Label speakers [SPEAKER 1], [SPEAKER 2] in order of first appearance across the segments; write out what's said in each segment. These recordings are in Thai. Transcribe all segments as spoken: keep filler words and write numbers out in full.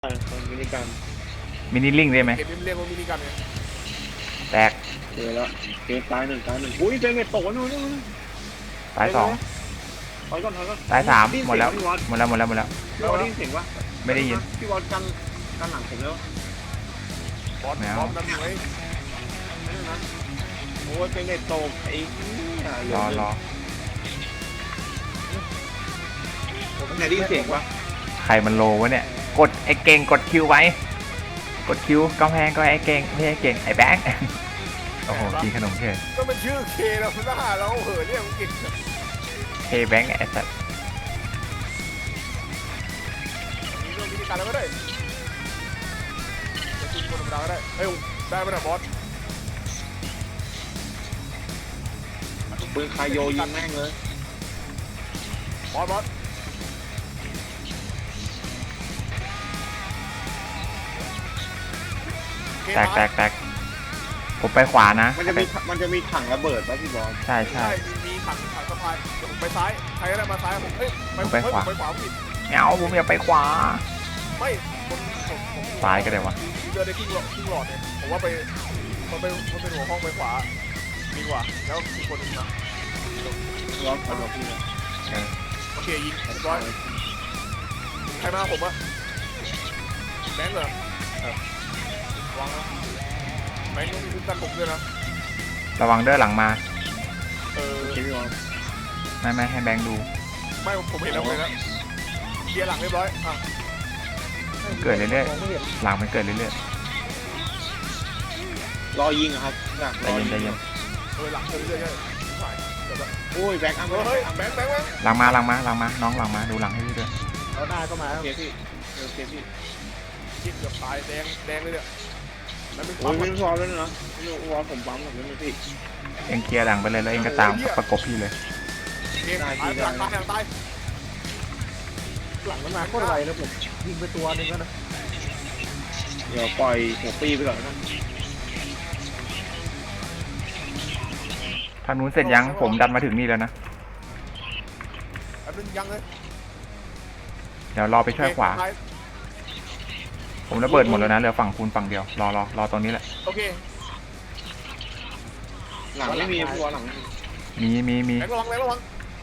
[SPEAKER 1] มินิกัน
[SPEAKER 2] มินิลิงได้ไหม
[SPEAKER 3] เก็บเรียกว่ามินิกันไง
[SPEAKER 2] แตก
[SPEAKER 1] เจอแล้วเกมตายหนึ่งตายหนึ่งอุ้ยเจอเม็ดตกนู่นนู่น
[SPEAKER 2] ตายสอง
[SPEAKER 1] ถอยก่อนถอยก่อน
[SPEAKER 2] ตายสามหมดแล้วหมดแล้วหมดแล้วหมดแล้ว
[SPEAKER 1] พี่วอลได้ยินเสียงปะ
[SPEAKER 2] ไม่ได้ยิน
[SPEAKER 1] พี่วอลกันกันหลังผมแล้ว
[SPEAKER 3] บอสบอสนั่นไง
[SPEAKER 1] ไม่ได้นะโอ้ยเป็นเม็ดตกไอ้
[SPEAKER 2] รอรอ
[SPEAKER 1] ผมไหนได้ยินเสียงปะ
[SPEAKER 2] ใครมันโลวะเนี่ยกดไอ้เก่งกดคิวไว้กดคิวกำแพงก็ไอ้เก่งไม่ใช่เก่งไอ้แบงค์โอ้โหกินขนมเฉย
[SPEAKER 3] ก็เป็นชื่อเคแล้วหน้าเราเหอะเรียกมันกิน
[SPEAKER 2] เคแบงค์ไอ้สัตว์
[SPEAKER 3] มีเรื่องมินิกันแล้วก็ได้จะกินคนธรรมดาก็ได้เฮ้ยได้ไหมนะบอส
[SPEAKER 1] ปืนคายโยยิงแม่งเลย
[SPEAKER 3] บอสบอส
[SPEAKER 2] แตกแตกแตกผมไปขวานะ
[SPEAKER 1] มันจะมีมันจะมีถังระเบิดป่ะพี่บอล
[SPEAKER 2] ใช่ใช่
[SPEAKER 3] มีถังถังสะพายผมไปซ้ายใครก็ได้มาซ้ายผมเฮ้ย
[SPEAKER 2] ไปขวา
[SPEAKER 3] ไปขวาผิด
[SPEAKER 2] เงาผมอยากไปขวา
[SPEAKER 3] ไม่ผมผมผม
[SPEAKER 2] ซ้ายก็ได้วะ
[SPEAKER 3] เดินได้ครึ่งหลอดครึ่งหลอดเนี่ยผมว่าไปมันเป็นมันเป็นหัวห้องไปขวาดีกว่าแล้วอีกคนนึงนะ
[SPEAKER 1] ร้อนขอดพี่เลย
[SPEAKER 3] โอเคยิงเรียบร้อยใครมาผมอะแบงค์เหรอวางนะแบงค์ต้องมีคุ้มกันผมด้วยนะ
[SPEAKER 2] ระวังเด้อหลังมา
[SPEAKER 3] เออ
[SPEAKER 2] ไม่ไม่ให้แบงค์ดู
[SPEAKER 3] ไม่ผมเห็นแล้วเลยนะเกียร์หลังเรียบร้อยอ่ะ
[SPEAKER 2] เกิดเรื่อยๆหลังมันเกิดเรื่อย
[SPEAKER 1] ๆรอยิงครับ
[SPEAKER 2] ใจเย็นใจเย็น
[SPEAKER 3] เออหลังเกิดเรื่อยๆ
[SPEAKER 1] โอ้ยแบงค์อ้
[SPEAKER 3] ำเฮ้ยแบงค์แบงค์
[SPEAKER 2] หลังมาหลังมาหลังมาน้องหลังมาดูหลังให้พี่ด้วย
[SPEAKER 1] เอาหน้าก็มาโอเคพี่โอเคพี่
[SPEAKER 3] ยิงเกือบตายแดงแดงเลยเนี่ย
[SPEAKER 1] โอ้ยไม่พอแล้วนะไม่พอผมปั๊มแบบนี้พี่
[SPEAKER 2] เอ็งเคลียร์หลังไปเลยแล้วเอ็งก็ตามประกบพี่เลย
[SPEAKER 3] ตายตายตายตายหลังมันมาโคตรไวนะผมยิงไปตัวนึงแล้วนะ
[SPEAKER 1] เดี๋ยวปล่อยหัวปีไปก่อนนะ
[SPEAKER 2] ทางนู้นเสร็จยังผมดันมาถึงนี่แล้วนะ
[SPEAKER 3] อันนึงยังเลย
[SPEAKER 2] เดี๋ยวรอไปช่วยขวาผมระเบิดหมดแล้วนะเหลือฝั่งคูณฝั่งเดียวรอรอรอตรงนี้แหละ
[SPEAKER 3] โอเค
[SPEAKER 1] หลังไม่มีตัวหลัง
[SPEAKER 2] มีมีมี
[SPEAKER 3] ระวังระวัง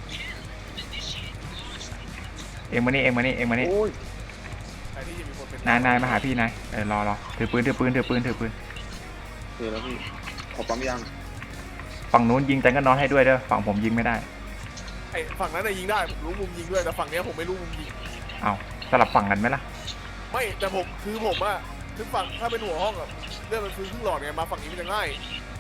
[SPEAKER 2] เอ็งมานี่เอ็งมานี่เอ็งมานี่นายนายมาหาพี่นายเออรอรอถือปืนถือปืนถือปืนถือปืน
[SPEAKER 1] ถือแล้วพี่ขอปั๊มยาง
[SPEAKER 2] ฝั่งนู้นยิงแต่ก็นอนให้ด้วยเด้อฝั่งผมยิงไม่ได้
[SPEAKER 3] ไอ้ฝั่งนั้นน่ะยิงได้รู้มุมยิงด้วยแต่ฝั่งนี้ผมไม่รู้มุมยิง
[SPEAKER 2] เอาสลับฝั่งกันไหมล่ะ
[SPEAKER 3] ไม่แต่ผมคือผมอะคือฝั่งถ้าเป็นหัวห้องอะเรื่องมันคือครึ่งหลอดไงมาฝั่งนี้มันจะง่าย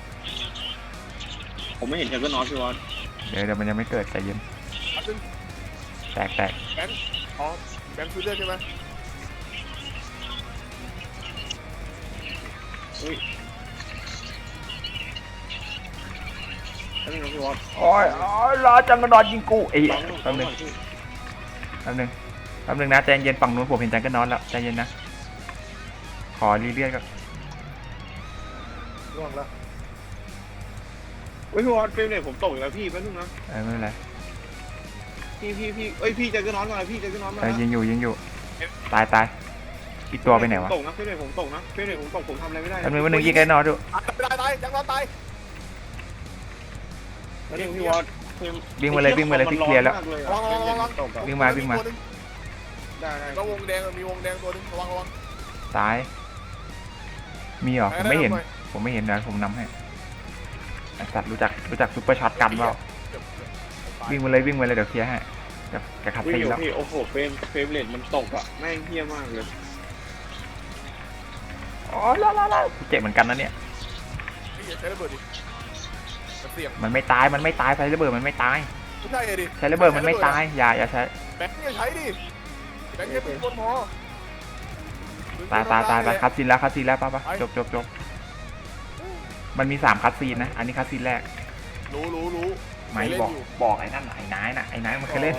[SPEAKER 1] ผมไม่เห็นแค่ก็นอนพี่วอน
[SPEAKER 2] เดี๋ยวเดี๋ยวมันยังไม่เกิดใจเย็นแตกแตก
[SPEAKER 3] แบงค์อ๋อแบงค์คือเลือดใช่ไหม
[SPEAKER 1] อุ้ยนี่น้องพี่วอน
[SPEAKER 2] โอ้ยโอ้ยรอจังกระดอนยิงกูไอ้แป๊บนึงแป๊บนึงแป๊บนึงนะใจเย็นฝั่งนู้นผมเห็นจังก็นอนแล้วใจเย็นนะขอรีเลียกก่อน
[SPEAKER 3] ร่วงแล้ว
[SPEAKER 1] เฮ้ยพี่วอนเฟรมเนี่ยผมตกอีกแล้วพี่แป๊บนึงนะ
[SPEAKER 2] เออไม่เป็นไร
[SPEAKER 1] พี่พี่พี่เอ้ยพี่จะก็นอนก่อนพี่จะก็นอนมา
[SPEAKER 2] เออยิงอยู่ยิงอยู่ตายตายอีกตัวไปไหนวะ
[SPEAKER 1] ตกนะเฟรมเนี่ยผมตกนะเฟรมเนี่ยผมตกผมทำอะไรไม่ได้
[SPEAKER 2] แป๊บนึงแป๊บนึงยิงไอ้นอนดู
[SPEAKER 3] ตายตายจังนอนตาย
[SPEAKER 1] แล้วนี่พี่วอน
[SPEAKER 2] วิ่งมาเลยวิ่งมาเลยพี่เคลียร์แล้ววิ่งมาวิ่งมา
[SPEAKER 1] ได้ได้
[SPEAKER 3] แล้ววงแดงมีวงแดงตัวนึงระวังระวัง
[SPEAKER 2] ตายมีเหรอผมไม่เห็นผมไม่เห็นนะผมนำให้สัตว์รู้จักรู้จักซุปเปอร์ช็อตกันเปล่าวิ่งมาเลยวิ่งมาเลยเดี๋ยวเคลียร์ให้จะจะขัดตีแล้ว
[SPEAKER 1] โอ้โหเฟรมเฟรมเรทมันตกอ่ะแม่งเหี้ยมากเลย
[SPEAKER 2] อ๋อล่าล่าล่าเจ็บเหมือนกันนะเนี่ย
[SPEAKER 3] ใช้ระเบิดดิ
[SPEAKER 2] มันไม่ตายมันไม่ตายใช้ระเบิดมันไม่ตาย
[SPEAKER 3] ใช่ดิ
[SPEAKER 2] ใช้ระเบิดมันไม่ตายอย่าอย่าใช้
[SPEAKER 3] แบงค์เนี่ยใช้ดิแบงค์เนี่ยเป็นคนพอ
[SPEAKER 2] ตายตายตายตายคัดซีนแล้วคัดซีนแล้วป่ะป่ะจบจบจบมันมีสามคัดซีนนะอันนี้คัดซีนแรก
[SPEAKER 3] รู้รู้รู้
[SPEAKER 2] ไม่บอกบอกไอ้นั่นไอ้นายน่ะไอ้นายมันเคยเล่น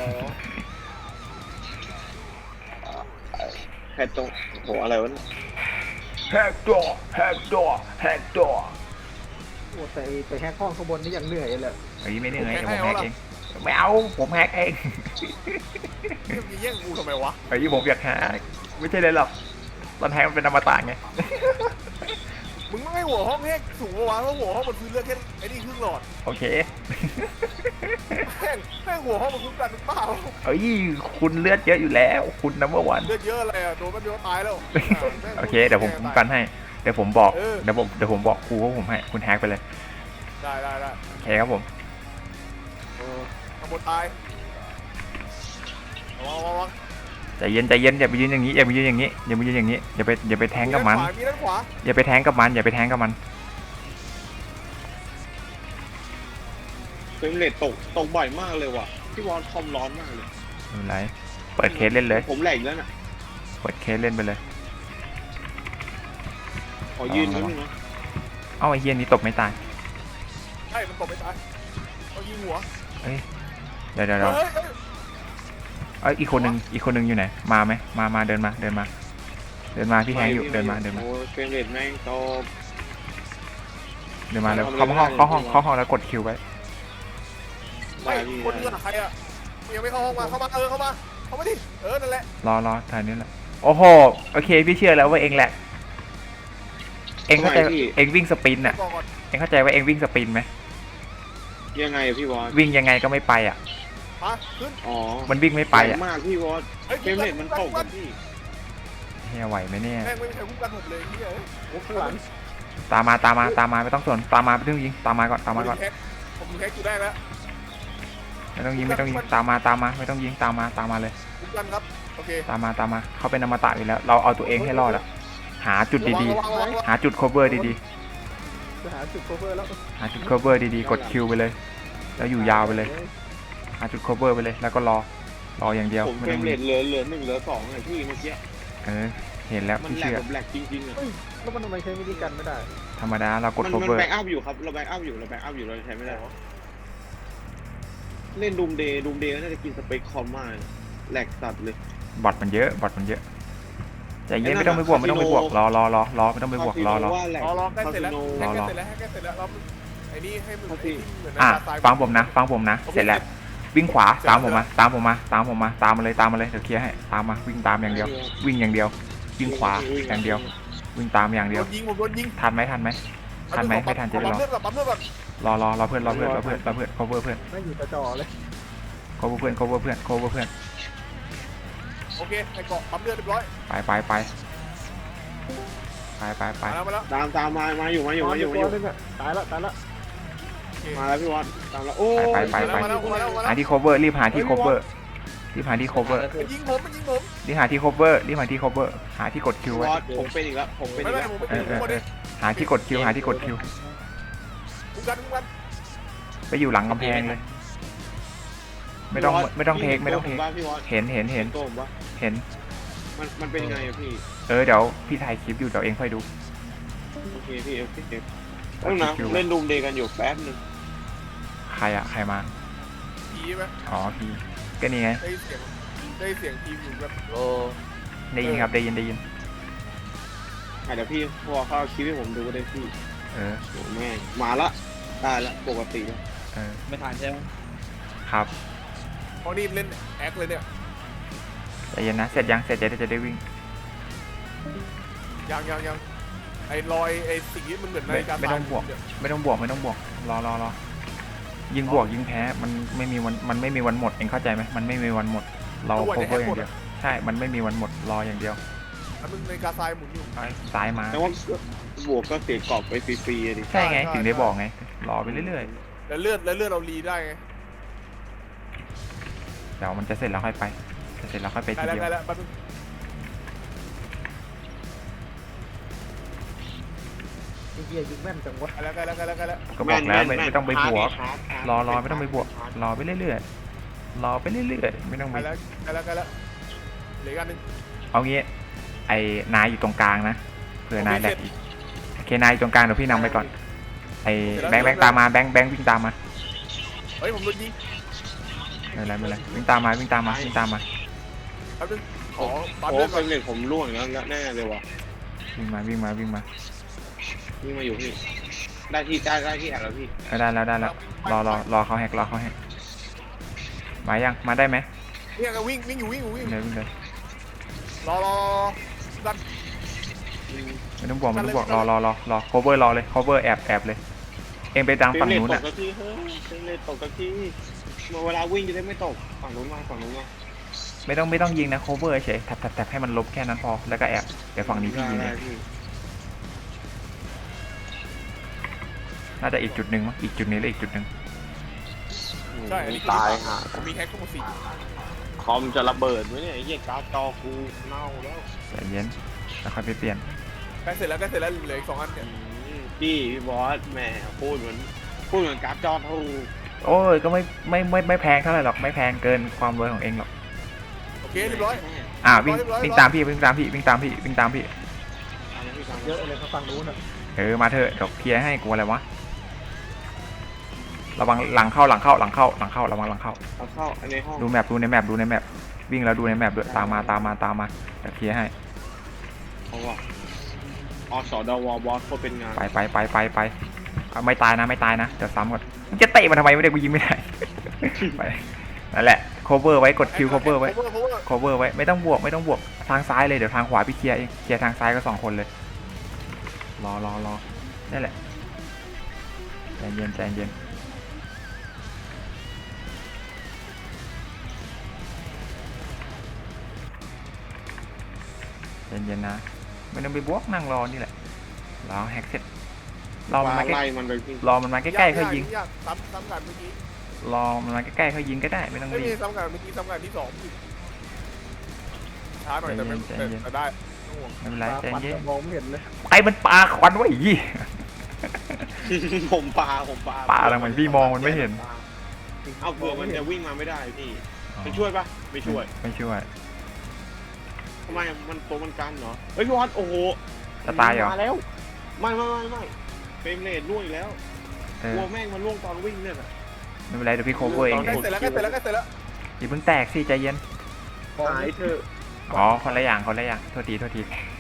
[SPEAKER 1] แฮกตัวโหอะไรวะ
[SPEAKER 2] แฮกตัวแฮกตัวแฮกตัว
[SPEAKER 4] โอ้แต่ไปแฮกห้องข้างบนนี่ยังเหนื่อยเลย
[SPEAKER 2] ไอ้ไม่เหนื่อยผมแฮกเองไม่เอาผมแฮกเอง
[SPEAKER 3] แย่งกูทำไมวะ
[SPEAKER 2] ไอ้ผมอยากแฮกไม่ใช่เลยหรอกตอนแฮกมันเป็นอมตะไง
[SPEAKER 3] มึงไม่ให้หัวห้องแห้งสูงกว่าวะเพราะหัวห้องมันคือเลือดแค่ไอ้นี่ครึ่งหลอด
[SPEAKER 2] โอเค
[SPEAKER 3] แม่งแม่งหัวห้องมันคุ้มกันหรือเปล่า
[SPEAKER 2] เอ้ยคุณเลือดเยอะอยู่แล้ว คุณนัมเบอร์วัน
[SPEAKER 3] เลือดเยอะอะไรอ่ะโดนมันเดียวตายแล้ว
[SPEAKER 2] โอเคเดี๋ยวผมคุ้มกันให้เดี๋ยวผมบอก
[SPEAKER 3] เออ
[SPEAKER 2] เดี๋ยวผมเดี๋ยวผมบอกครูว่าผมให้คุณแฮกไปเลย
[SPEAKER 3] ได้ได้ได้
[SPEAKER 2] โอเคครับผม
[SPEAKER 3] เออข้างบนตายระวังระวังระวัง
[SPEAKER 2] ใจเย็นใจเย็นอย่าไปยืนอย่างนี้อย่าไปยืนอย่างนี้อย่าไปยืนอย่างนี้อย่าไปอย่าไปแทงกับมัน
[SPEAKER 3] มีด้านขวา
[SPEAKER 2] อย่าไปแทงกับมันอย่าไปแทงกับมัน
[SPEAKER 1] เฟรมเรทตกตกบ่อยมากเลยว่ะพี่วอนคอมร้อนมากเลย
[SPEAKER 2] ไม่เป็นไรเปิดเคสเล่นเลย
[SPEAKER 1] ผมแหลกแล้วน่ะ
[SPEAKER 2] เปิดเคสเล่นไปเลย
[SPEAKER 1] ขอยืนนิดนึงนะ
[SPEAKER 2] เอ้าไอ้เฮียนี้ตบไม่ตาย
[SPEAKER 3] ใช่มันตกไม่ตายเอายิงหัว
[SPEAKER 2] เอ้ยเดี๋ยวเดี๋ยวเดี๋ยว
[SPEAKER 3] เฮ้ยเฮ้ย
[SPEAKER 2] เอ้ยอีกคนนึงอีกคนนึงอยู่ไหนมาไหมมามาเดินมาเดินมา เดินมาพี่แทงอยู่เดินมาเดินมา
[SPEAKER 1] โอ้ยเฟรมเรทแม่งตก
[SPEAKER 2] เดินมาแล้วเข้าห้องเข้าห้องเข้าห้องแล้วกดคิวไว้
[SPEAKER 3] ไม่คนนี้อะใครอ่ะยังไม่เข้าห้องมาเข้ามาเออเข้ามาเข้ามาดิเออนั่นแหละ
[SPEAKER 2] รอรอถ่ายนี้แหละโอ้โหโอเคพี่เชื่อแล้วว่าเองแหละ เองเข้าใจเองวิ่งสปรินต์อ่ะ
[SPEAKER 3] บอกก่อน
[SPEAKER 2] เองเข้าใจว่าเองวิ่งสปรินต์ไหม
[SPEAKER 1] ยังไงอะพี่วอน
[SPEAKER 2] วิ่งยังไงก็ไม่ไปอ่ะ
[SPEAKER 3] มาขึ้น
[SPEAKER 1] อ๋อ
[SPEAKER 2] มันวิ่งไม่ไป
[SPEAKER 1] แร
[SPEAKER 2] อ่ะ
[SPEAKER 1] งมากพี่วอน
[SPEAKER 3] เฮ้ย
[SPEAKER 1] เฟรมเรทมันตกอะพี่
[SPEAKER 2] เฮียไหวไหมเนี่ย
[SPEAKER 3] แม่งไม่มีใครคุ้มกันผมเลยเฮ้ย
[SPEAKER 4] โอ้ข้างหลัง
[SPEAKER 2] ตามมาตามมาตามมาไม่ต้องสนตามมาไม่ต้องยิงตามมาก่อนตามมาก่อน
[SPEAKER 3] ผมแฮกอยู่ได้แล้ว
[SPEAKER 2] ไม่ต้องยิงไม่ต้องยิงตามมาตามมาไม่ต้องยิงตามมาตามมาเลย
[SPEAKER 3] คุ้มกันครับโอเค
[SPEAKER 2] ตามมาตามมาเขาเป็นอมตะอยู่แล้ว เราเอาตัวเองให้รอดอะหาจุดดี
[SPEAKER 3] ระวังระวังระวัง
[SPEAKER 2] ๆ หาจุด cover ดี
[SPEAKER 4] จะหาจุดโคเวอร์แล้ว
[SPEAKER 2] ๆ หาจุด cover ดีๆ กดคิวไปเลย แล้วอยู่ยาวไปเลย หาจุด cover ไปเลย แล้วก็รอ รออย่างเดียว
[SPEAKER 1] ผม
[SPEAKER 2] ไม่
[SPEAKER 1] เฟร
[SPEAKER 2] ต้อ
[SPEAKER 1] ม
[SPEAKER 2] ง
[SPEAKER 1] เร
[SPEAKER 2] ยิ
[SPEAKER 1] ท
[SPEAKER 2] ง
[SPEAKER 1] เหลือเหลือหนึ่งเหลือสองไงพี่เมื่อกี้
[SPEAKER 2] เออ เห็นแล้ว
[SPEAKER 1] มัน
[SPEAKER 2] พี่
[SPEAKER 1] แหลก
[SPEAKER 2] เชื่อ
[SPEAKER 1] แบบแหลกจริงๆอะ
[SPEAKER 4] เฮ้ยแล้วมันทำไมใช้มินิกันไม่ได้
[SPEAKER 2] ธรรมดาเรากด
[SPEAKER 1] มันมัน
[SPEAKER 2] cover
[SPEAKER 1] แบ็กอัพอยู่ครับเราแบ็กอัพอยู่เราแบ็กอัพอยู่เราใช้ไม่ได้เล่นดูมเดย์ดูมเดย์น่าจะกินสเปคคอมมากแหลกสัตว์เลย
[SPEAKER 2] บอทมันเยอะ บอทมันเยอะ ใจเย็นไม่ต้องไปบวกไม่ต้องไปบวก รอรอรอรอไม่ต้องไปบวก รอรอ
[SPEAKER 1] ว่าแหลก
[SPEAKER 3] รอรอใกล้เสร็จแล้ว
[SPEAKER 2] รอ
[SPEAKER 3] ใกล้
[SPEAKER 2] รอ
[SPEAKER 3] เสร็จแล้วใกล้เสร็จแล้วเราไอ้นี่ให้มึงเหมือน
[SPEAKER 2] อ่ะ
[SPEAKER 3] ตาย
[SPEAKER 2] ฟังผมนะ ฟังผมนะ เสร็จแล้ว วิ่งขวา ตามผมมา ตามผมมา ตามผมมา ตามมาเลย ตามมาเลย เดี๋ยวเคลียร์ให้ ตามมา วิ่งตามอย่างเดียว วิ่งอย่างเดียว วิ่งขวาอย่างเดียว วิ่งตามอย่างเดียว
[SPEAKER 3] โดนยิงผมโดนยิง
[SPEAKER 2] ทันไหมทันไหม ทันไหมไม่ทันจะได้รอ
[SPEAKER 3] ปั๊มเลือดก่อนปั๊มเลือดก่อน
[SPEAKER 2] รอรอรอเพื่อนรอเพื่อนรอเพื่อนรอเพื่อน cover เพื่อน
[SPEAKER 4] ไม่อยู่จ่อๆเลย
[SPEAKER 2] cover เพื่อน cover เพื่อน cover เพื่อน
[SPEAKER 3] โอเคไอ้เกาะปั๊มเลือดเรียบร้อย
[SPEAKER 2] ไปไปไปไปไปไป
[SPEAKER 3] มาแล้วมาแล้ว
[SPEAKER 1] ตามตามมามาอยู่มาอยู่มาอยู่มาอยู่
[SPEAKER 4] ตัวนึงอะตายละตายละ
[SPEAKER 1] มาแล้วพี่วอนตามแล้วโอ้
[SPEAKER 2] ไปไปไป
[SPEAKER 3] มาแล้วมาแล้วมาแล้ว
[SPEAKER 2] หาที่ cover รีบหาที่ cover รีบหาที่ cover
[SPEAKER 3] มันยิงผมมันยิงผม
[SPEAKER 2] รีบหาที่ cover รีบหาที่ cover หาที่กดคิว
[SPEAKER 1] พี่
[SPEAKER 2] ไว้
[SPEAKER 1] วอนผมเป็นอีกแล้วผมเป็น
[SPEAKER 3] ไม่
[SPEAKER 1] อีก
[SPEAKER 3] ไม่
[SPEAKER 1] แล้ว
[SPEAKER 3] ผมไป
[SPEAKER 2] เอ
[SPEAKER 3] ยิ
[SPEAKER 2] อง เออ
[SPEAKER 3] ผม
[SPEAKER 2] เอ
[SPEAKER 3] ดิ
[SPEAKER 2] อหาที่กดคิวหาที่กดคิว
[SPEAKER 3] คุ้มกันคุ้มกัน
[SPEAKER 2] ไปอยู่หลังกำแพงเลย ไม่ต้องไม่ต้องเทคไม่ต้องเทค
[SPEAKER 1] บ้านพี่วอน
[SPEAKER 2] เห็นเห็นเห็น
[SPEAKER 1] ตัวผมว่า
[SPEAKER 2] เห็น
[SPEAKER 1] มันมันเป็นยังไงอะพี่
[SPEAKER 2] เออเดี๋ยวพี่ถ่ายคลิปอยู่เดี๋ยวเองค่อยดู
[SPEAKER 1] โอเคพี่โอเคเก็บต้องนะเล่นดูมเดย์กันอยู่แป๊บนึง
[SPEAKER 2] ใครอะใครมา
[SPEAKER 3] ผีไหม
[SPEAKER 2] อ๋อพี่ก็นี่ไง
[SPEAKER 3] ได้เสียงได้เสียงทีมอยู่แบบโล
[SPEAKER 2] ได้ยินครับได้ยินได้ยิน
[SPEAKER 1] อ่ะเดี๋ยวพี่พอเข้าคลิปให้ผมดูก็ได้พี่
[SPEAKER 2] เออ
[SPEAKER 1] โอ้แม่งมาละได้ละปกติแล้ว
[SPEAKER 2] เออ
[SPEAKER 5] ไม่ทันใช่ไหม
[SPEAKER 2] ครับ
[SPEAKER 3] พอนี่เล่นแอคเลยเนี่ย
[SPEAKER 2] ใจเย็นนะเสร็จยังเสร็จจะได้จะได้วิ่ง
[SPEAKER 3] ยังยังยังไอ้รอยไอ้สิ่งนี้มันเหมือนนาฬิกา
[SPEAKER 2] ไม่ต้องบวก ไม่ต้องบวกไม่ต้องบวกรอรอรอยิงบวกยิงแพ้มันไม่มีวันมันไม่มีวันหมดเองเข้าใจไหมมันไม่มีวันหมด เรา cover อย่างเดียวใช่มันไม่มีวันหมดรออย่างเดียว
[SPEAKER 3] แล้วมึงนาฬิกาทรายหมุนอยู่
[SPEAKER 2] ซ้ายมา
[SPEAKER 1] แต่ว่าบวกก็เสียกรอบไปฟรีๆอะดิ
[SPEAKER 2] ใช่ไงถึงได้บอกไงรอไปเรื่อย
[SPEAKER 3] แล้วเลือดแล้วเลือดเรารีได้ไง
[SPEAKER 2] ๆเดี๋ยวมันจะเสร็จแล้วค่อยไปจะเสร็จแล้วค่อยไป
[SPEAKER 3] ได้
[SPEAKER 2] ที
[SPEAKER 3] แล้ว
[SPEAKER 2] เดียว
[SPEAKER 3] ได้แล้วแป๊บนึง
[SPEAKER 4] ไอ้เหี้ยยิงแม่นจังวะ
[SPEAKER 3] ได้แล้วได้แล้วได้แล้วได้แล้ว
[SPEAKER 2] ก็บอกแล้วไม่
[SPEAKER 1] ม่น
[SPEAKER 2] ไม่ต้องไปบวก
[SPEAKER 1] ฮาร์ดฮาร์ด
[SPEAKER 2] รอรอไม่ต้องไปบวกรอไปเรื่อยๆรอไปเรื่อยๆไม่ต้องไป
[SPEAKER 3] ได้แล้วได้แล้วได้แล้วเหลืออีกอันหนึง
[SPEAKER 2] เอางี้ไอ้นายอยู่ตรงกลางนะเผื่อนายแหลกอีกโอเคนายอยู่ตรงกลางเดี๋ยวพี่นำไปก่อนไอ้แบงค์แบงค์ตามมาแบงค์แบงค์วิ่งตามมา
[SPEAKER 3] เฮ้ยผมโดนยิง
[SPEAKER 2] ไม่เป็นไรไม่เป็นไรวิ่งตามมาวิ่งตามมาวิ่งตามมา
[SPEAKER 3] แป๊บนึงขอปั๊ม
[SPEAKER 1] โอ้
[SPEAKER 3] เลือด
[SPEAKER 1] เฟ
[SPEAKER 3] ก่
[SPEAKER 1] ร
[SPEAKER 3] อน
[SPEAKER 1] มเรทผมร่วงอีกแล้วแน่เลยว่ะ
[SPEAKER 2] วิ่งมาวิ่งมาวิ่งมา
[SPEAKER 1] นี่มาอยู่พี่ได้ที่ได้ได้ที่แอบแล้วพี่
[SPEAKER 2] เออได้แล้วได้แล้วรอรอรอเขาแฮกรอเขาแฮกมายังมาได้ไหม
[SPEAKER 3] เนี่ยก็วิ่งวิ่งอยู่วิ่งอยู่วิ่ง
[SPEAKER 2] วิ่งเลยวิ่งเลย
[SPEAKER 3] รอรอดัน
[SPEAKER 2] ไม่ต้องบวกไม่ต้องบวกรอรอรอรอ cover รอเลย cover แอบแอบเลย เองไปดัง
[SPEAKER 1] เฟร
[SPEAKER 2] ฝั่
[SPEAKER 1] ม
[SPEAKER 2] ง
[SPEAKER 1] เรท
[SPEAKER 2] นู้น
[SPEAKER 1] ต
[SPEAKER 2] อ่ะ
[SPEAKER 1] กสักทีเฮ้ยเฟรมเรทตกสักทีเวลาวิ่งจะได้ไม่ตกฝั่งนู้นมาฝั่งนู้นมา
[SPEAKER 2] ไม่ต้องไม่ต้องยิงนะ cover เฉยแท็บแท็บแท็บให้มันลบแค่นั้นพอแล้วก็แอบเดี๋ยวฝั่งนี้พี่ยิงเองน่าจะอีกจุดหนึ่งมั้งอีกจุดนี้แล้วอีกจุดหนึ่ง
[SPEAKER 3] ใช่อันนี้
[SPEAKER 1] ตายฮะ
[SPEAKER 3] ผมมีแฮกทั้งหมดสี่
[SPEAKER 1] คอมจะระเบิดไหมเนี่ยไอ้เหี้ยการ์ดจอกูเน่าแล้ว
[SPEAKER 2] ใจเย็นแล้วค่อยไปเปลี่ยน
[SPEAKER 3] ใกล้เสร็จแล้วใกล้เสร็จแล้วเหลืออีกสองอันเนี่ย
[SPEAKER 1] พี่พี่บอสแหมพูดเหมือนพูดเหมือนการ์ดจอถูก
[SPEAKER 2] โอ้ยก็ไม่ไม่ไม่ไม่แพงเท่าไหร่หรอกไม่แพงเกินความรวยของเองหรอก
[SPEAKER 3] โอเคเรียบร้อย
[SPEAKER 2] อ่าวิ่งวิ่งตามพี่วิ่งตามพี่วิ่งตามพี่วิ่งตามพี่
[SPEAKER 4] เยอะเลยเขาฝั่งนู้นอ่ะ
[SPEAKER 2] เออมาเถอะเดี๋ยวเคลียร์ให้กูอะไรวะระวังหลังเข้าหลังเข้าหลังเข้าหลังเข้าระวังหลังเข้า
[SPEAKER 1] เอาเข้าในห้อง
[SPEAKER 2] ดูแมปดูในแมปดูในแมปวิ่งแล้วดูในแมปด้วยตามมาตามมาตามมาเดี๋ยวเคลียร์ให้
[SPEAKER 1] เพราะว่าอสดวบอสโคตรเป็นงาน
[SPEAKER 2] ไปไปไปไปไปเอาไม่ตายนะไม่ตายนะเดี๋ยวซ้ำก่อนมึงจะเตะมันทำไมไม่ได้กูยิงไม่ได้ ไปนั่นแหละ cover ไว้กด Q cover ไว้ cover ไว้ไม่ต้องบวกไม่ต้องบวกทางซ้ายเลยเดี๋ยวทางขวาพี่เคลียร์เองเคลียร์ทางซ้ายก็สองคนเลยรอรอรอนั่นแหละใจเย็นใจเย็นใจเย็นนะไม่ต้องไปบวกนั่งรอนี่แหละรอแฮกเสร็จรอมันมาใกล้
[SPEAKER 1] ไล่มันไปพี่
[SPEAKER 2] รอมันมาใกล้ๆเขายิง
[SPEAKER 3] ยากซ้ำซ้ำกันเมื่อกี้
[SPEAKER 2] รอมันมาใกล้ๆเขายิงก็ได้ไม่ต้อง
[SPEAKER 3] ไม่
[SPEAKER 2] รี
[SPEAKER 3] มี
[SPEAKER 2] บ
[SPEAKER 3] ซ้ำกันเมื่อกี้ซ้ำกันที่สองช้าหน่อยแต่ไม่
[SPEAKER 2] ใจเย็น
[SPEAKER 3] แต่ได้ไม่ห่วง
[SPEAKER 2] ไม่เป็นไร
[SPEAKER 4] ปลา
[SPEAKER 2] ใจ
[SPEAKER 4] ควัน
[SPEAKER 2] เย็น
[SPEAKER 4] มองไม่เห็นเลย
[SPEAKER 2] ไอ้มันปลาควันไว้ยี่
[SPEAKER 1] ผมปลาผมปลา
[SPEAKER 2] ปลาทำไมพี่มองมันไม่เห็น
[SPEAKER 1] เอาเผื่อมันจะวิ่งมาไม่ได้พี่ไปช่วยปะไม่ช่วย
[SPEAKER 2] ไม่ช่วย
[SPEAKER 1] ทำไมมันตัวมันกันเหรอเฮ้ยพี่วัดโอ้โห
[SPEAKER 2] จะตายเหรอ
[SPEAKER 1] มาแล้วไม่ไม่ไม่ไม่เฟรมเรทล่วงอีกแล้ว
[SPEAKER 2] เอก อ
[SPEAKER 1] ลัวแม่งมันล่วงตอนวิ่งเนี่ยแหละ
[SPEAKER 2] ไม่เป็นไรเดี๋ยวพี่โคเวอร์เอง
[SPEAKER 3] ใกล้เสร็จแล้วใกล้เสร็จแล้วใกล้เสร็จแล้ว
[SPEAKER 2] อย่าเพิ่งแตกสิใจเย็น
[SPEAKER 1] หายเถอะ
[SPEAKER 2] อ๋อคนละอย่างคนละอย่างโทษทีโทษที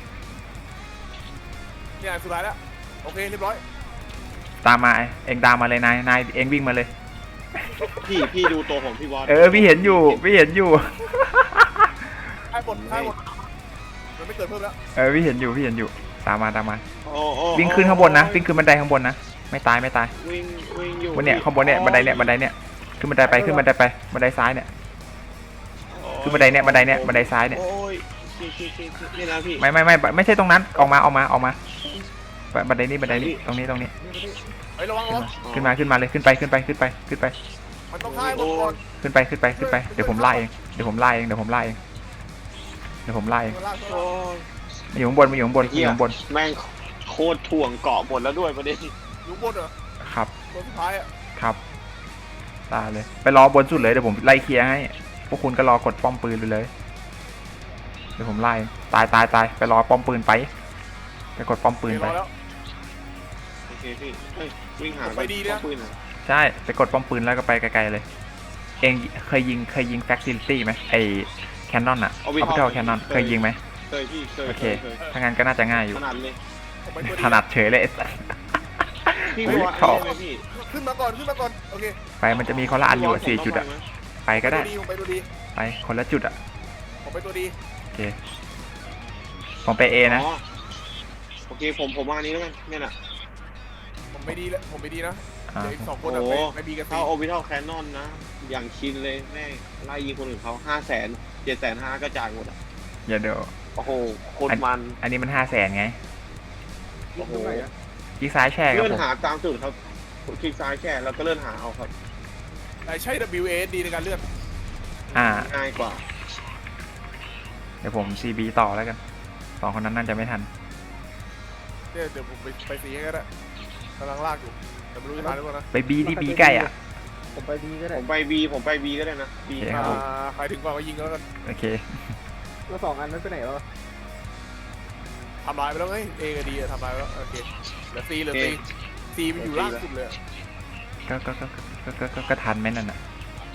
[SPEAKER 3] เนี่ยสุดท้ายแล้วโอเคเรียบร้อย
[SPEAKER 2] ตามมาเองตามมาเลยนายนายเองวิ่งมาเลย
[SPEAKER 1] พี่พี่ดูตัวของพี่วอด
[SPEAKER 2] เออพี่เห็นอยู่พี่เห็นอยู่
[SPEAKER 3] ให้หมดให้หมดมันไม่เกิดเพิ่มแล้ว
[SPEAKER 2] เออพี่เห็นอยู่พี่เห็นอยู่ตามมาตามมา
[SPEAKER 1] โอ้โอ้
[SPEAKER 2] วิ่งขึ้นข้างบนนะวิ่งขึ้นบันไดข้างบนนะไม่ตายไม่ตาย
[SPEAKER 1] วิ่งวิ่งอยู่
[SPEAKER 2] บนเนี่ยข้างบนเนี่ยบันไดเนี่ยบันไดเนี่ยขึ้นบันไดไปขึ้นบันไดไปบันไดซ้ายเนี่ย ขึ้นบันไดเนี่ยบันไดเนี่ยบันไดซ้ายเนี่ย
[SPEAKER 1] โอ้ยชิชิชิชินี่นะพี่
[SPEAKER 2] ไม่ไม่ไม่ไม่ใช่ตรงนั้นออกมาออกมาออกมาบันไดนี้บันไดนี้ตรงนี้ตรงนี้
[SPEAKER 3] เฮ้ยระวังระวัง
[SPEAKER 2] ขึ้นมาขึ้นมาเลยขึ้นไปขึ้นไปขึ้นไปขึ้นไป
[SPEAKER 3] มันต้องฆ่าให้หมดก่อน
[SPEAKER 2] ขึ้นไปขึ้นไปขึ้นไปเดี๋ยวผมไล่เองเดี๋ยวผมไล่เองเดี๋ยวผมไล่เองเดี๋ยวผมไล่เอง
[SPEAKER 3] มันลาก
[SPEAKER 1] โอ้ย
[SPEAKER 2] มาอยู่ข้างบนมาอยู่ข้างบนมาอยู่ข้างบน
[SPEAKER 1] แม่งโคตรถ่วงเกาะหมดแล้วด้วยประเด็น
[SPEAKER 3] อยู่บนเหรอ
[SPEAKER 2] ครับ
[SPEAKER 3] ตัวสุดท้ายอ่ะ
[SPEAKER 2] ครับตายเลยไปรอบนสุดเลยเดี๋ยวผมไล่เคลียร์ให้พวกคุณก็รอกดป้อมปืนไปเลยเดี๋ยวผมไล่ตายตายตายไปรอป้อมปืนไปไปกดป้อมปืนไป
[SPEAKER 3] แล้ว
[SPEAKER 1] โอเคพี่เฮ้ยวิ่งหา
[SPEAKER 3] ไปดีนะ
[SPEAKER 1] ปืนอ่ะ
[SPEAKER 2] ใช่ไปกดป้อมปืนแล้วก็ไปไกลๆเลย เองเคยยิงเคยยิงแฟคซิลิตี้ไหมไอแคนนอนอะออบิทัลแคนนอนเคยยิงไหม
[SPEAKER 1] เคยพี่เคย
[SPEAKER 2] โอเค
[SPEAKER 1] เคย
[SPEAKER 2] ถ้างั้นก็น่าจะง่ายอยู่
[SPEAKER 1] ถนัดเลย
[SPEAKER 3] ผมไปตัว
[SPEAKER 2] ถนัดเฉยเลยไอ้สัส
[SPEAKER 1] พี่
[SPEAKER 2] เฮ้ย
[SPEAKER 1] วอด
[SPEAKER 2] ชอบ
[SPEAKER 1] อะไรไหมพี่
[SPEAKER 3] ขึ้นมาก่อนขึ้นมาก่อนโอเค
[SPEAKER 2] ไปมันจะมีคนละอันอยู่อะสี่จุดอะไปก็ได้
[SPEAKER 3] ผมไปตัวดี
[SPEAKER 2] ไปคนละจุดอะ
[SPEAKER 3] ผมไปตัวดี
[SPEAKER 2] โอเคผมไปเอนะ
[SPEAKER 1] อ๋อโอเคผมผมมาอันนี้แล้วกันเนี่ยน่ะ
[SPEAKER 3] ผมไม่ดีแล้วผมไม่ดีนะ
[SPEAKER 2] อ่า
[SPEAKER 3] เดี๋ยวอีกสองคนอะ
[SPEAKER 1] โอ้
[SPEAKER 3] ไป
[SPEAKER 1] โห
[SPEAKER 3] ไปบีกัน
[SPEAKER 1] เข้าโอบิทัลแคนนอนนะ อย่างชินเลยแม่งไล่ยิงคนอื่นเขาห้าแสนเจ็ดแสนห้าก็จ่ายหมดอ่ะ
[SPEAKER 2] อย่าเดี๋ยว
[SPEAKER 1] โอ้โหโคตรมัน
[SPEAKER 2] อันนี้มันห้าแสนไง
[SPEAKER 1] โอ้โห
[SPEAKER 2] ยิงซ้ายแช่ครับ
[SPEAKER 1] เลื่อน
[SPEAKER 2] ผม
[SPEAKER 1] หาตามจุดครับคลิกซ้ายแค่แล้วก็เลื่อนหาเอาครับ
[SPEAKER 3] แต่ใช้ ดับเบิลยู เอ เอส ดี ในการเลื่อน
[SPEAKER 2] อ่า
[SPEAKER 1] ง่ายกว่า
[SPEAKER 2] เดี๋ยวผม ซี บี ต่อแล้วกันสองคนนั้นน่าจะไม่ทัน
[SPEAKER 3] เดี๋ยวเดี๋ยวผมไปไปซีให้ก็ได้กำลังลากอยู่แต่ไม่รู้จะทันหรือเปล่านะ
[SPEAKER 2] ไปบีที่บีใกล้อ่ะ
[SPEAKER 4] ผมไปดีก็ได้
[SPEAKER 1] ผมไปบีผมไปบีก็ได้นะบี
[SPEAKER 2] โอเค
[SPEAKER 3] อ่า
[SPEAKER 2] ครับ
[SPEAKER 3] ใครถึงก่อนก็ยิงแล้วกัน
[SPEAKER 2] โอเค
[SPEAKER 4] แล้วสองอันนั้นไปไหนแล้ว
[SPEAKER 3] ทำลายไปแล้วไงเอกับดีทำลายไปแล้วโอเคเหลือซีเหลือซีซีมันอยู่ล่างสุดเลย
[SPEAKER 2] ก็ก็ก็ก็ก็ก็ก็ทันไหมนั่นน่ะ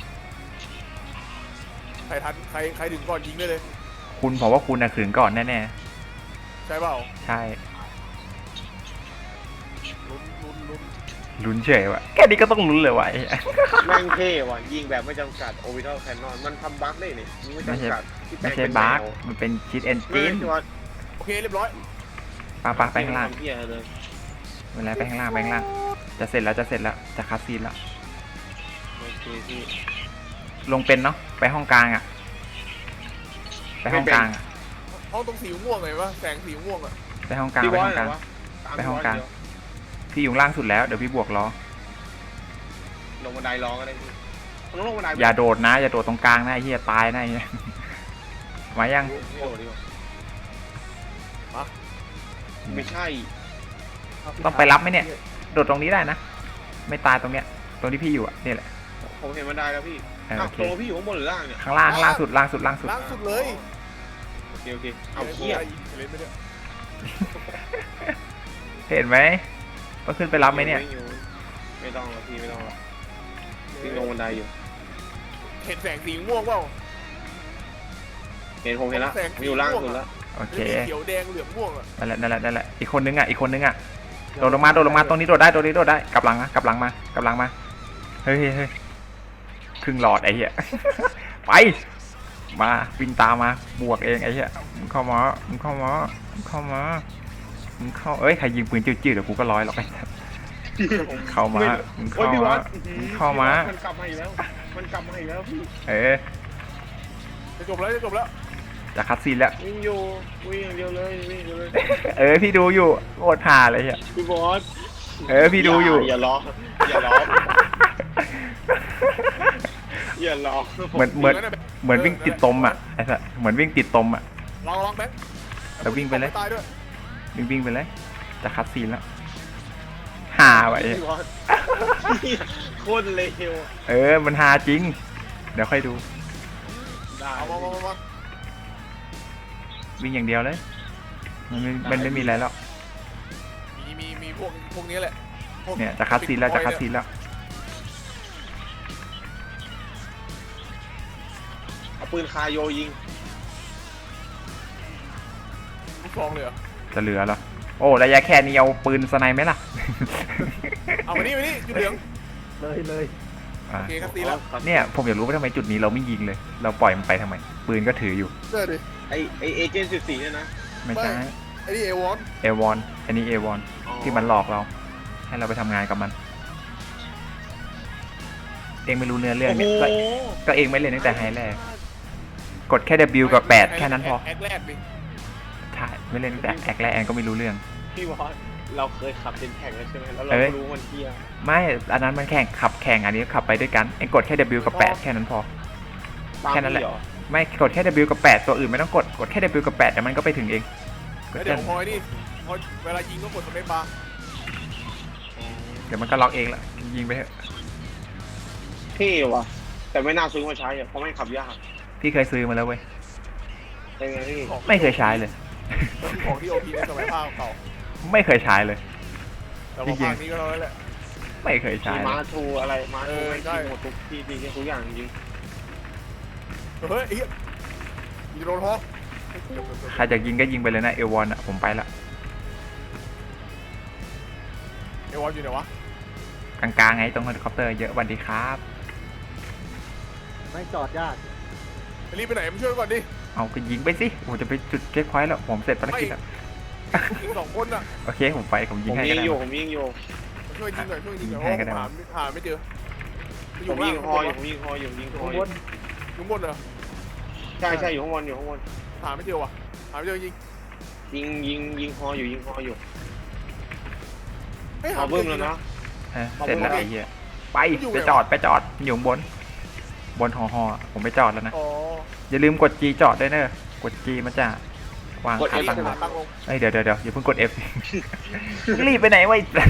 [SPEAKER 3] ใครทันใครใครถึงก่อนยิงได้เลย
[SPEAKER 2] คุณผมว่าคุณน่ะขืนก่อนแน่
[SPEAKER 3] ใช่เปล่า
[SPEAKER 2] ๆใช่
[SPEAKER 3] ลุ้นลุ้นลุ้น
[SPEAKER 2] ลุ้นเฉยวะแค่นี้ก็ต้องลุ้นเลยวะไอ้
[SPEAKER 1] แม่งเท่ว่ะยิงแบบไม่จำกัดโอบิทัลแคนนอนมันทำบั๊กได้นี่ไม่จำกัด
[SPEAKER 2] ไม่ใช่บาร์กมันเป็นชิดเอน
[SPEAKER 1] ไม่
[SPEAKER 2] จิน
[SPEAKER 1] ใช่ว่า
[SPEAKER 3] โอเคเรียบร้อย
[SPEAKER 2] ปาปาไปข้างล่าง
[SPEAKER 1] ทำเพี้ยเลย
[SPEAKER 2] เวลาไปข้างล่างไปข้างล่าง จะเสร็จแล้วจะเสร็จแล้วจะคัดซีนแล้ว
[SPEAKER 1] โอเคพี่
[SPEAKER 2] ลงเป็นเนาะไปห้องกลางอ่ะ ไปห้องกลางอะ
[SPEAKER 3] ห้องตรงสีม่วงไงวะแสงสีม่วงอ่ะ
[SPEAKER 2] ไปห้องกลาง
[SPEAKER 1] พี่
[SPEAKER 2] ไป
[SPEAKER 1] บอ
[SPEAKER 2] ห้
[SPEAKER 1] ส
[SPEAKER 2] องกลาง
[SPEAKER 1] เหรอวะตม
[SPEAKER 2] ไปห้องกลาง
[SPEAKER 1] พี่บส
[SPEAKER 2] พี่อยู่ล่างสุดแล้วเดี๋ยวพี่บวกล้อ
[SPEAKER 1] เดี๋ยวลงบันไดรอก็ได้พี่มันต้องลงบันได
[SPEAKER 2] อย่าโดดนะอย่าโดดตรงกลางนะไอ้เหี้ยตายนะไอ้เหี้ยมายัง
[SPEAKER 1] โอ้โหดีกว่าไม่ใช่
[SPEAKER 2] ต้องไปรับไหมเนี่ย โดดตรงนี้ได้นะ ไม่ตายตรงเนี้ย ตรงที่พี่อยู่อ่ะนี่แหละ
[SPEAKER 1] ผมเห็นบันไดแล้วพี่
[SPEAKER 2] เออ
[SPEAKER 1] อ้า
[SPEAKER 2] โอ
[SPEAKER 1] ว
[SPEAKER 2] เค
[SPEAKER 1] ตัวพี่อยู่ข้างบนหรือล่างเนี่ย
[SPEAKER 2] ข้างล่างข้างล่างสุดล่างสุดล่างสุด
[SPEAKER 3] ล่างสุดเลย
[SPEAKER 1] โอเคโอเคเอาเขี้ย
[SPEAKER 3] เล่นไปเนี่ย
[SPEAKER 2] เห็นไหมต้องขึ้นไปรับไหมเนี่ย
[SPEAKER 1] ไม่ต้องหรอกพี่ไม่ต้องหรอกพี่ลงบันไดอยู่
[SPEAKER 3] เห็นแสงสีม่วงเปล่า
[SPEAKER 1] เห็นผมเห็นแล้วผมอยู่ล่างสุดแล้ว
[SPEAKER 2] โอเค
[SPEAKER 3] เขียวแดงเหลืองม่วงอ่ะ
[SPEAKER 2] นั่นแหละนั่นแหละนั่นแหละอีกคนนึงอ่ะอีกคนนึงอ่ะโดดลงมาโดดลงมาตรงนี้โดดได้ตรงนี้โดดได้กลับหลังนะกลับหลังมากลับหลังมาเฮ้ยเฮ้ยเฮ้ยครึ่งหลอดไอ้เหี้ย ไปมาวิ่งตามมาบวกเองไอ้เหี้ยมึงเข้ามามึงเข้ามามึงเข้ามามึงเข้าเอ้ยใครยิงปืนจืดๆเดี๋ยวกูก็ร้อยหรอกไอ้สัสเข้ามามึง
[SPEAKER 1] โอ้ย
[SPEAKER 2] เข้า
[SPEAKER 1] พี่บอ
[SPEAKER 2] มา
[SPEAKER 1] ส
[SPEAKER 2] มึงเข้ามา
[SPEAKER 1] มันกลับมาอีกแล้ว มันกลับมาอีกแล้วพี่
[SPEAKER 2] เออ
[SPEAKER 3] จะจบแล้วจะจบแล้ว
[SPEAKER 2] จะคัดซีนแล้ว
[SPEAKER 1] วิ่งอยู่วิ่งอย่างเดียวเลยวิ่งอย่างเดียวเลย
[SPEAKER 2] เออพี่ดูอยู่โคตรห่าเลยเหี้ย
[SPEAKER 1] พี่บอส
[SPEAKER 2] เออพี่ดูอยู่
[SPEAKER 1] อย่าล้ออย่าล้ออย่าล้อ
[SPEAKER 2] เหมือนเหมือนเหมือนวิ่งติดตมอ่ะไอ้สัสเหมือนวิ่งติดตมอ่ะ
[SPEAKER 3] ลองลองแบงค์
[SPEAKER 2] แล้ววิ่งไปเลย
[SPEAKER 3] ตายด้วย
[SPEAKER 2] วิ่งวิ่งไปเลยจะคัดซีนแล้วห่าไว้
[SPEAKER 1] พี่บอสโคตรเลว
[SPEAKER 2] เออมันฮาจริง เดี๋ยวค่อยดู
[SPEAKER 1] ได้
[SPEAKER 3] เอามามามามา
[SPEAKER 2] วิ่งอย่างเดียวเลย มันไม่มันไม่มีอะไรแล้ว
[SPEAKER 3] มีมีมีพวกพวกนี้แหละพวก
[SPEAKER 2] เนี่ยจะคัดซีนแล้วจะคัดซีนแล้ว
[SPEAKER 1] เอาปืนคาโยยิง
[SPEAKER 3] ลูกซองเลยเหรอ
[SPEAKER 2] จะเหลือเหรอโอ้ระยะแค่นี้เอาปืนสไนไหมล่ะ
[SPEAKER 3] เอามานี่มานี่จุดเหลือง
[SPEAKER 4] เลยเลย
[SPEAKER 2] อ่ะ
[SPEAKER 3] โอเคครับตีแล้ว
[SPEAKER 2] เนี่ยผมอยากรู้ว่าทำไมจุดนี้เราไม่ยิงเลย เราปล่อยมันไปทำไม ปืนก็ถืออยู่
[SPEAKER 3] เจอดิ
[SPEAKER 1] ไอไอเอเจนต์สิบสี่เนี่ยนะ
[SPEAKER 2] ไม่ใช่
[SPEAKER 3] ไอ้นี่เอวอน
[SPEAKER 2] เอวอนอันนี้เอวอนที่มันหลอกเรา ให้เราไปทำงานกับมัน เองไม่รู้เนื้อเรื่อง
[SPEAKER 1] โอ้โห
[SPEAKER 2] เนี่ยก็ก็เองไม่เล่นตั้งแต่ไฮแรกกดแค่ W กับแปดแค่นั้นพอ
[SPEAKER 3] แอคแรกดิ
[SPEAKER 2] ใช่ไม่เล่นตั้งแต่แอคแรกแอนก็ไม่รู้เรื่อง
[SPEAKER 1] พี่บอสเราเคยขับเป็นแข่งแล้วใช่ไหมแล้วเรา
[SPEAKER 2] เอ้ย
[SPEAKER 1] ก็รู้มันเที่ย
[SPEAKER 2] ไม่ อันนั้นมันแข่งขับแข่งอันนี้ขับไปด้วยกัน เองกดแค่ W กับแปดแค่นั้นพอ
[SPEAKER 1] ตาม
[SPEAKER 2] แค่นั้นแหละ
[SPEAKER 1] พี่เรอ
[SPEAKER 2] ไม่กดแค่ W กับแปดตัวอื่นไม่ต้องกด กดแค่ W กับแปดแต่มันก็ไปถึงเองก
[SPEAKER 3] แล้
[SPEAKER 2] ด
[SPEAKER 3] ว
[SPEAKER 2] แค่
[SPEAKER 3] เดี๋ยวพอยนี่พอเวลายิงก็กดสเปซบาร์
[SPEAKER 2] เดี๋ยวมันก็ล็อกเองละยิงไปเถอะ
[SPEAKER 1] เท่ว่ะแต่ไม่น่าซื้อมาใช้อะเพราะไม่งขับยาก
[SPEAKER 2] พี่เคยซื้อมาแล้วเว้ย
[SPEAKER 1] ใช่ไหมพี่
[SPEAKER 3] ของ
[SPEAKER 2] ไม่เคยใช้เลย
[SPEAKER 3] ของที่โอพีในสมัยภาคเก่า
[SPEAKER 2] ไม่เคยใช้เลย
[SPEAKER 3] แต่ว่าภาคนี้ก็เราแล้วแหละ
[SPEAKER 2] ไม่เคยใช้
[SPEAKER 1] มี
[SPEAKER 2] เลย
[SPEAKER 1] มาทูอะไรมาทู
[SPEAKER 3] เออ
[SPEAKER 1] ไม่
[SPEAKER 3] ใช่
[SPEAKER 1] ทีหมดทุกที่ดีทุกอย่างจริง
[SPEAKER 3] เฮ้ยไอ้เหี้ยมีโดนฮอก
[SPEAKER 2] ใครจะยิงก็ยิงไปเลยนะเอวอนอ่ะผมไปละ
[SPEAKER 3] เอวอนอยู่ไหนวะ
[SPEAKER 2] กลางๆไงตรงเฮลิคอปเตอร์เยอะสวัสดีครับ
[SPEAKER 4] ไม่จอดยาก
[SPEAKER 3] ไปรีบไปไหนมาช่วยก่อนดิ
[SPEAKER 2] เอาก็ยิงไปสิผมจะไปจุดเช็คพอยต์แล้วผมเสร็จภารกิจแล้ว
[SPEAKER 3] อีกสองคนอ่ะ
[SPEAKER 2] โอเคผมไปผม
[SPEAKER 1] ๆ
[SPEAKER 2] ยิ
[SPEAKER 1] ผ
[SPEAKER 2] ง
[SPEAKER 1] ม
[SPEAKER 2] ให้
[SPEAKER 1] ยิ
[SPEAKER 2] ก็
[SPEAKER 1] ง
[SPEAKER 2] ได้
[SPEAKER 1] อยู่ผมยิงอยู่
[SPEAKER 3] มาช่วยยิงหน่อยช่วยยิงหน่อย
[SPEAKER 2] ยิงให้ก็ได้
[SPEAKER 3] หาหาไม่เจอ
[SPEAKER 1] ผมยิงฮออยู่ผมยิงฮออยู่ผมยิงฮอ
[SPEAKER 4] ข้าง
[SPEAKER 1] อบ ยู่
[SPEAKER 4] น
[SPEAKER 3] อยู่บนเหรอ
[SPEAKER 1] ใช่ใช่อยู่ข้างบนอยู่ข้างบน
[SPEAKER 3] หาไม่เจอว่ะหาไม่เจอยิง
[SPEAKER 1] ยิงยิงยิงฮออยู่ยิงฮออยู่
[SPEAKER 3] ไม่หา
[SPEAKER 1] เอา
[SPEAKER 3] ไม่
[SPEAKER 1] เบิ้ม
[SPEAKER 3] เจอ
[SPEAKER 1] แล้ว
[SPEAKER 3] ยิง
[SPEAKER 1] นะ
[SPEAKER 2] ฮะเสร็จแล้วไอ้เหี้ยไป
[SPEAKER 3] อยู่ไหน
[SPEAKER 2] ไป
[SPEAKER 3] วะ
[SPEAKER 2] จอดไปจอดอยู่ข้างบน บนหอหอผมไปจอดแล้วนะ
[SPEAKER 3] อ๋อ
[SPEAKER 2] อย่าลืมกด G จอดด้วยเนอะกด G มันจะวาง
[SPEAKER 1] กด
[SPEAKER 2] ขา
[SPEAKER 1] F
[SPEAKER 2] ตั้งล
[SPEAKER 3] หาง ตั้งลง
[SPEAKER 2] เอ้ยเดี๋ยวเดี๋ยวเดี๋ยวอย่าเพิ่งกด F มึงรีบไปไหนวะไอ้สัส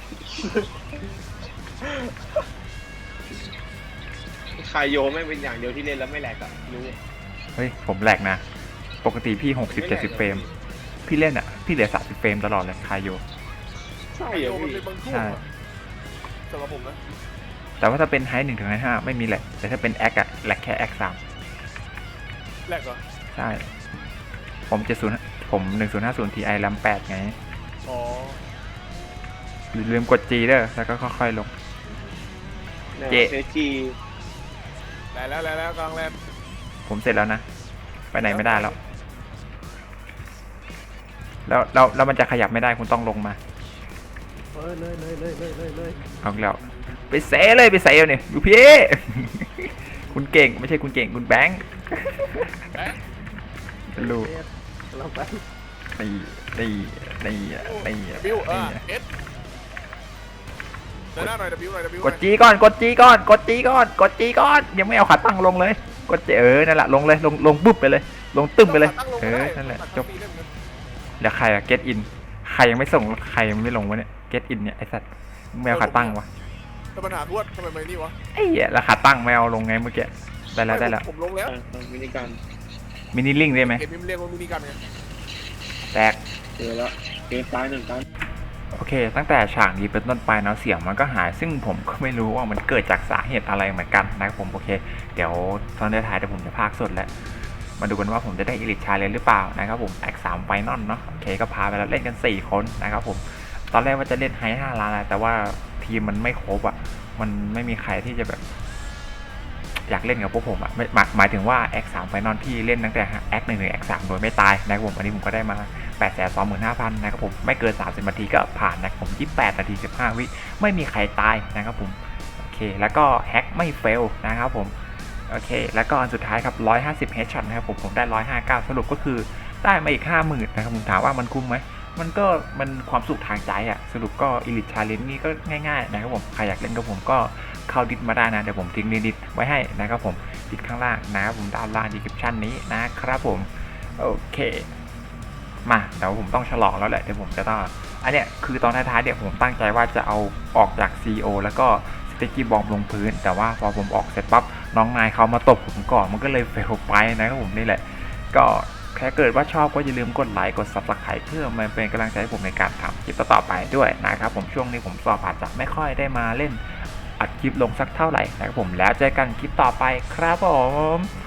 [SPEAKER 1] คายโยไม่งเป็นอย่างเดียวที่เล่นแล้วไม่แหลกอะรู้
[SPEAKER 2] เฮ้ยผมแหลกนะ ปกติพี่หกสิบเจ็ดสิบเฟรม พี่เล่นอ่ะ พี่เหลือสามสิบเฟรมตลอดเลยคายโย
[SPEAKER 1] ใช่
[SPEAKER 3] ไอ
[SPEAKER 1] เหร
[SPEAKER 3] โย
[SPEAKER 1] อ
[SPEAKER 3] มัน
[SPEAKER 1] พี่
[SPEAKER 3] เป็นบางช่วง
[SPEAKER 2] ใช่
[SPEAKER 3] อะสำหรับผมนะ
[SPEAKER 2] แต่ว่าถ้าเป็นไฮหนึ่งถึงไฮห้าไม่มีแหลกแต่ถ้าเป็นแอคอะแหลกแค่แอคสาม
[SPEAKER 3] แรกเหรอ
[SPEAKER 2] ใช่ ผมเจ็ดศูนย์ผมหนึ่งศูนย์ห้าศูนย์ทีไอแรมแปดไง
[SPEAKER 3] อ๋อ
[SPEAKER 2] อย่าลืมกด G เด้อแล้วก็ค่อยๆลง เจ๊
[SPEAKER 1] เจจี
[SPEAKER 3] แล้วแล้วแล้วแล้วกลางแลนด์
[SPEAKER 2] ผมเสร็จแล้วนะ ไปไหนไม่ได้แล้วแล้วแล้วแล้วมันจะขยับไม่ได้คุณต้องลงมา
[SPEAKER 4] เออเลยเลยเลยเลยเลยเลย
[SPEAKER 2] เอาอีกแล้วไปเซเลยไปเซลเนี่ยดูพี่ คุณเก่งไม่ใช่คุณเก่งคุณแบงค์
[SPEAKER 3] แบ๊ะ
[SPEAKER 2] ลูก
[SPEAKER 4] เอสเราไป
[SPEAKER 2] นี่นี่นี่นี่
[SPEAKER 3] บิวเออ
[SPEAKER 2] นี่
[SPEAKER 3] เอสเดินหน้าหน่อยบิวหน่อยบิว
[SPEAKER 2] กดจีก่อนกดจีก่อนกดจีก่อนกดจีก่อนยังไม่เอาขาตั้งลงเลยกดจีเออนั่นแหละลงเลยลงลงปุ๊บไปเลย ลงตึ้มไปเลยเออนั่นแหละจบเดี๋ยวใครอะ get in ใครยังไม่ส่งใครยังไม่ลงวะเนี่ย get in เนี่ยไอสัตว์ไม่เอาขาตั้งวะ
[SPEAKER 3] แต่ปัญหาทวดทำไมไม่นี่วะ
[SPEAKER 2] ไอ้เหี้ยแล้วขาตั้งไม่เอาลงไงเมื่อกี้ได้แล้วได้แล้ว
[SPEAKER 3] ผมลงแล้ว
[SPEAKER 1] เออมินิกัน
[SPEAKER 2] มินิลิงได้ไหม
[SPEAKER 3] เห็นมิมเรียกว่ามินิกันไง
[SPEAKER 2] แตก
[SPEAKER 1] เจอแล้วเกมตายหนึ่งกัน
[SPEAKER 2] โอเค ตั้งแต่ฉากนี้เป็นต้นไปเนาะเสียงมันก็หายซึ่งผมก็ไม่รู้ว่ามันเกิดจากสาเหตุอะไรเหมือนกันนะครับผมโอเคเดี๋ยวตอนท้ายเดี๋ยวผมจะพากย์สดแล้วมาดูกันว่าผมจะได้อิลิทชาเลนหรือเปล่านะครับผมแอคสามไฟนอลเนาะโอเคก็พาไปแล้วเล่นกันสี่คนนะครับผมตอนแรกว่าจะเล่นไฮห้าล้านนะแต่ว่าทีมมันไม่ครบอ่ะมันไม่มีใครที่จะแบบอยากเล่นกับพวกผมอ่ะหมายหมายถึงว่าแอคสามไฟนอลที่เล่นตั้งแต่แอคหนึ่งถึงแอคสามโดยไม่ตายนะครับผมอันนี้ผมก็ได้มาแปดแสนสองหมื่นห้าพันนะครับผมไม่เกินสามสิบนาทีก็ผ่านนะครับผมยี่สิบแปดนาทีสิบห้าวิไม่มีใครตายนะครับผมโอเคแล้วก็แฮกไม่เฟลนะครับผมโอเคแล้วก็อันสุดท้ายครับหนึ่งร้อยห้าสิบเฮดช็อตนะครับผมผมได้หนึ่งร้อยห้าสิบเก้าสรุปก็คือได้มาอีก ห้าหมื่น นะครับผมถามว่ามันคุ้มไหมมันก็มันความสุขทางใจอะสรุปก็ Elite Challenge นี่ก็ง่ายๆนะครับผมใครอยากเล่นกับผมก็เข้าดิสมาได้นะเดี๋ยวผมทิ้งดิสไว้ให้นะครับผมดิสข้างล่างนะครับผมด้านล่าง description นี้นะครับผมโอเคมาเดี๋ยวผมต้องฉลองแล้วแหละเดี๋ยวผมจะต้องอันเนี้ยคือตอนท้ายๆเดี๋ยวผมตั้งใจว่าจะเอาออกจาก ซี อี โอ แล้วก็สเต็กกี้บอมลงพื้นแต่ว่าพอผมออกเสร็จปั๊บน้องนายเขามาตบผมก่อนมันก็เลยเฟลไปนะครับผมนี่แหละก็ถ้าเกิดว่าชอบก็อย่าลืมกดไลค์กด ซับสไครบ์ เพื่อมาเป็นกำลังใจให้ผมในการทำคลิปต่อๆไปด้วยนะครับผมช่วงนี้ผมสอบอาจจะไม่ค่อยได้มาเล่นอัดคลิปลงสักเท่าไหร่นะครับผมแล้วเจอกันคลิปต่อไปครับผม